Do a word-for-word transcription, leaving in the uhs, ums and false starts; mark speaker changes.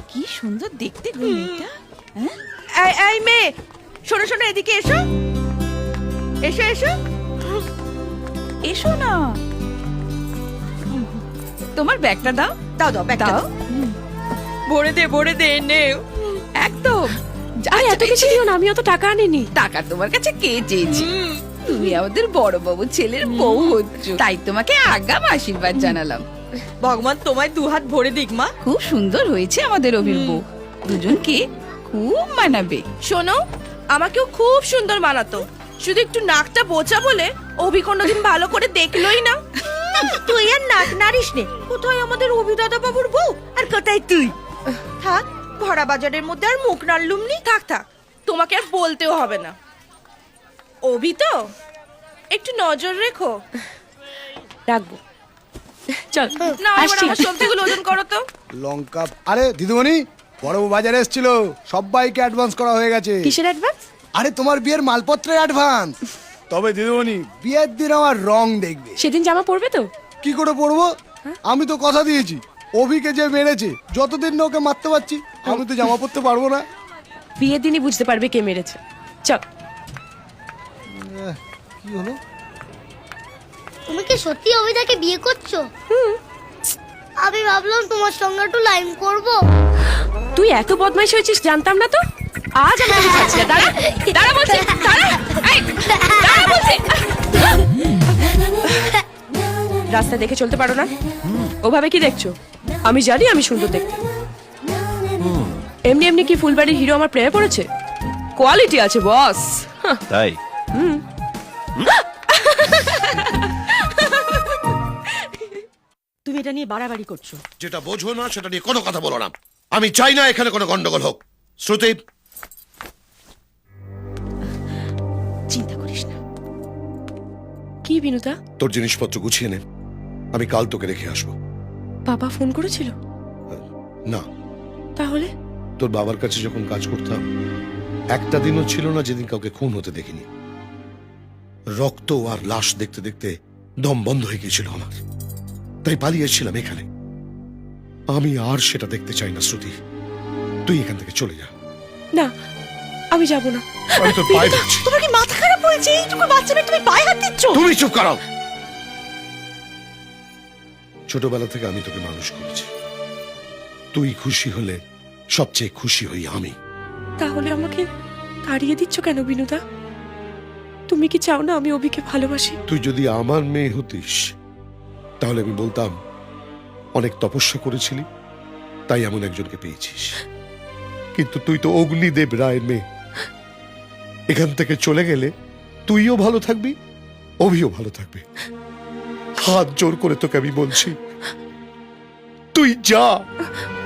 Speaker 1: কি সুন্দর দেখতে গো মেয়েটা।
Speaker 2: এই এই মেয়ে, শোনো শোনো, এদিকে এসো এসো এসো
Speaker 1: এসো না, তোমার ব্যাগটা দাও।
Speaker 2: দাও দাও ব্যাগটা
Speaker 1: দাও।
Speaker 2: দাও। ভরে দে ভরে দে, নে।
Speaker 1: একদম।
Speaker 3: আরে এত কিছু দিও না, আমি অত টাকা আনিনি।
Speaker 1: টাকা তোমার কাছে কে চেয়েছে? তুমি আমাদের বড় বাবু ছেলের বউ হচ্ছ, তাই তোমাকে আগাম আশীর্বাদ জানালাম।
Speaker 2: ভগবান তোমায় দু হাত ভরে দিক মা।
Speaker 1: খুব সুন্দর হয়েছে আমাদের অভির বউ, দুজনকে খুব মানাবে।
Speaker 2: শোনো, আমাকেও খুব সুন্দর মানাতো, শুধু একটু নাকটা বোচা বলে অভি কোনোদিন ভালো করে দেখলোই না। তুই আর নাক নারিস নে, কোথায় আমাদের অভি দাদা বাবুর বউ আর কোথায় তুই। থাক, ভরা বাজারের মধ্যে আর মুখ নাড়লুম নি। থাক থাক, তোমাকে আর বলতেও হবে না। অভি তো একটু নজর রেখো।
Speaker 3: রাখবো, চল
Speaker 2: না, এবার
Speaker 3: আসছি।
Speaker 2: আমার সবজিগুলো ওজন করো তো।
Speaker 4: লঙ্কা। আরে দিদিমণি, বড় বাজারে এসেছিল, সবাইকে অ্যাডভান্স করা হয়ে গেছে।
Speaker 3: কিসের অ্যাডভান্স?
Speaker 4: আরে তোমার বিয়ের মালপত্রের অ্যাডভান্স। তবে দিদিমণি, বিয়ের দিন আমার রং দেখবে।
Speaker 3: সেদিন জামা পরবে তো?
Speaker 4: কি করে পরবো? আমি তো কথা দিয়েছি, অভিকে যে মেরেছে, যতদিন না ওকে মারতে পারছি আমি তো জামা পরতে পারবো না।
Speaker 3: বিয়ের দিনই বুঝতে পারবে কে মেরেছে। চল।
Speaker 4: আহ, কি হলো?
Speaker 5: তুমি কি সত্যি অভিদাকে বিয়ে করছো? আমি ভাবলাম তোমার সঙ্গে একটু লাইন করব।
Speaker 3: তুই এত বদমাইশ হয়েছিস জানতাম না তো। আজ আমি তোকে ছাড়ছি না। দাঁড়া দাঁড়া বলছি, দাঁড়া। এই, দাঁড়া বলছি। রাস্তা দেখে চলতে পারো না? ওভাবে কি দেখছো? আমি জানি আমি সুন্দর দেখতে। এমনি এমনি কি ফুলবাড়ির হিরো আমার প্রেমে পড়েছে? কোয়ালিটি আছে বস।
Speaker 6: তাই?
Speaker 2: তুমি এটা নিয়ে বাড়াবাড়ি করছো।
Speaker 7: যেটা বোঝো না সেটা নিয়ে কোনো কথা বলো না। আমি চাই না এখানে কোনো গন্ডগোল হোক। শ্রুতি,
Speaker 2: চিন্তা করিস না।
Speaker 3: কি বিনুতা?
Speaker 7: তোর জিনিসপত্র গুছিয়ে নে, আমি কাল তোকে রেখে আসবো।
Speaker 3: বাবা ফোন করেছিল?
Speaker 7: না,
Speaker 3: তাহলে?
Speaker 7: তোর বাবার কাছে যখন কাজ করতাম, একটা দিনও ছিল না যেদিন কাউকে খুন হতে দেখিনি। রক্ত আর লাশ দেখতে দেখতে দম বন্ধ হয়ে গিয়েছিল আমার, তাই পালিয়েছিলাম এখানে। আমি আর সেটা দেখতে চাই না শ্রুতি, তুই এখান থেকে চলে যা।
Speaker 3: না, আমি যাব না।
Speaker 7: আমি তোর পায়ে ধরছি।
Speaker 2: তোমার কি মাথা খারাপ হয়েছে? এইটুকু বাচ্চা মেয়ে তুমি পায়ে হাত দিচ্ছ?
Speaker 7: তুমি চুপ করো। ছোটবেলা থেকে আমি তোকে মানুষ করেছি, তুই খুশি হলে সবচেয়ে খুশি হই আমি।
Speaker 3: তাহলে আমাকে তাড়িয়ে দিচ্ছ কেন বিনুদা? তুমি কি চাও না আমি অভিকে ভালোবাসি?
Speaker 7: তুই যদি আমার মেয়ে হতিস তাহলে আমি বলতাম অনেক তপস্যা করেছিলি, তাই এমন একজনকে পেয়েছিস। কিন্তু তুই তো অগ্নিদেব রায়ের মেয়ে। এখান থেকে চলে গেলে তুইও ভালো থাকবি, অভিও ভালো থাকবে। হাত জোর করে তোকে আমি বলছি, তুই যা।